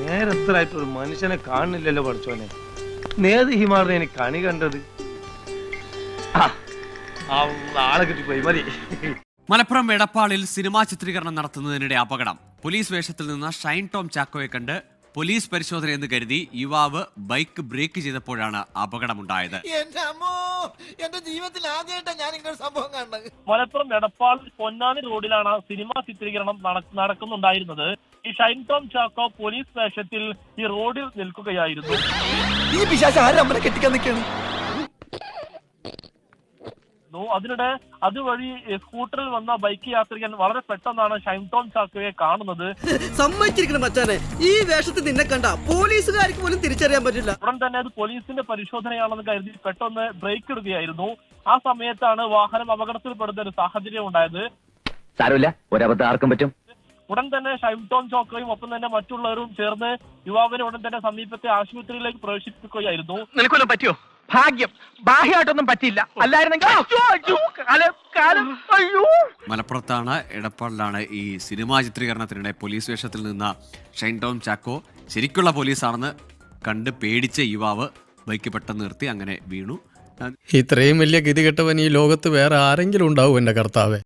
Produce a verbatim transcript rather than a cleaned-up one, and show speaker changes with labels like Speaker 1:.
Speaker 1: നേരത്തിലായിട്ട് ഒരു മനുഷ്യനെ കാണുന്നില്ലല്ലോ പഠിച്ചോനെ. നേത് ഹിമാറിനെ എനിക്ക് കണി കണ്ടത്. ആളെ കിട്ടിപ്പോയി മതി.
Speaker 2: മലപ്പുറം എടപ്പാളിൽ സിനിമാ ചിത്രീകരണം നടത്തുന്നതിനിടെ അപകടം. പോലീസ് വേഷത്തിൽ നിന്ന് ഷൈൻ ടോം ചാക്കോയെ കണ്ട് പോലീസ് പരിശോധന എന്ന് കരുതി യുവാവ് ബൈക്ക് ബ്രേക്ക് ചെയ്തപ്പോഴാണ് അപകടമുണ്ടായത്.
Speaker 3: എന്റെ ജീവിതത്തിൽ ആദ്യമായിട്ടാണ് ഞാൻ ഇങ്ങനെ സംഭവം കണ്ടത്.
Speaker 4: മലപ്പുറം എടപ്പാൾ പൊന്നാനി റോഡിലാണ് സിനിമാ ചിത്രീകരണം നടക്കുന്നുണ്ടായിരുന്നത്. ഈ ഷൈൻ ടോം ചാക്കോ പോലീസ് വേഷത്തിൽ ഈ റോഡിൽ നിൽക്കുകയായിരുന്നു.
Speaker 3: ഈ പിശാച് ആരും നമ്മളെ കെട്ടിക്കാൻ നിൽക്കുകയാണ്.
Speaker 4: അതിനിടെ അതുവഴി സ്കൂട്ടറിൽ വന്ന ബൈക്ക് യാത്രികൻ വളരെ പെട്ടെന്നാണ് ഷൈൻ ടോം ചാക്കോയെ കാണുന്നത്.
Speaker 5: സമ്മതിച്ചിരിക്കണം മച്ചാനെ, ഈ വേഷത്തിൽ നിന്നെ കണ്ട പോലീസുകാർക്ക് പോലും തിരിച്ചറിയാൻ പറ്റില്ല.
Speaker 4: ഉടൻ തന്നെ അത് പോലീസിന്റെ പരിശോധനയാണെന്ന് കരുതി പെട്ടെന്ന് ബ്രേക്ക് ഇടുകയായിരുന്നു. ആ സമയത്താണ് വാഹനം അപകടത്തിൽപ്പെടുന്ന ഒരു സാഹചര്യം ഉണ്ടായത്.
Speaker 6: സാരമില്ല, ഒരബദ്ധം ആർക്കും പറ്റും.
Speaker 4: ഉടൻ തന്നെ ഷൈൻ ടോം ചാക്കോയും ഒപ്പം തന്നെ മറ്റുള്ളവരും ചേർന്ന് യുവാവിനെ ഉടൻ തന്നെ സമീപത്തെ ആശുപത്രിയിലേക്ക് പ്രവേശിപ്പിക്കുകയായിരുന്നു.
Speaker 7: നിനക്കൊല്ലം പറ്റിയോ? ഭാഗ്യം, ബാഹ്യമായിട്ടൊന്നും പറ്റിയില്ല. അല്ലായിരുന്നെങ്കിൽ
Speaker 2: മലപ്പുറത്താണ് എടപ്പാളിലാണ് ഈ സിനിമാ ചിത്രീകരണത്തിനിടെ പോലീസ് വേഷത്തിൽ നിന്ന ഷൈൻ ടോം ചാക്കോ ശരിക്കുള്ള പോലീസാണെന്ന് കണ്ട് പേടിച്ച യുവാവ് ബൈക്ക് പെട്ടെന്ന് നിർത്തി അങ്ങനെ വീണു.
Speaker 8: ഇത്രയും വലിയ ഗതികെട്ടവൻ ഈ ലോകത്ത് വേറെ ആരെങ്കിലും ഉണ്ടാവും എന്റെ കർത്താവേ.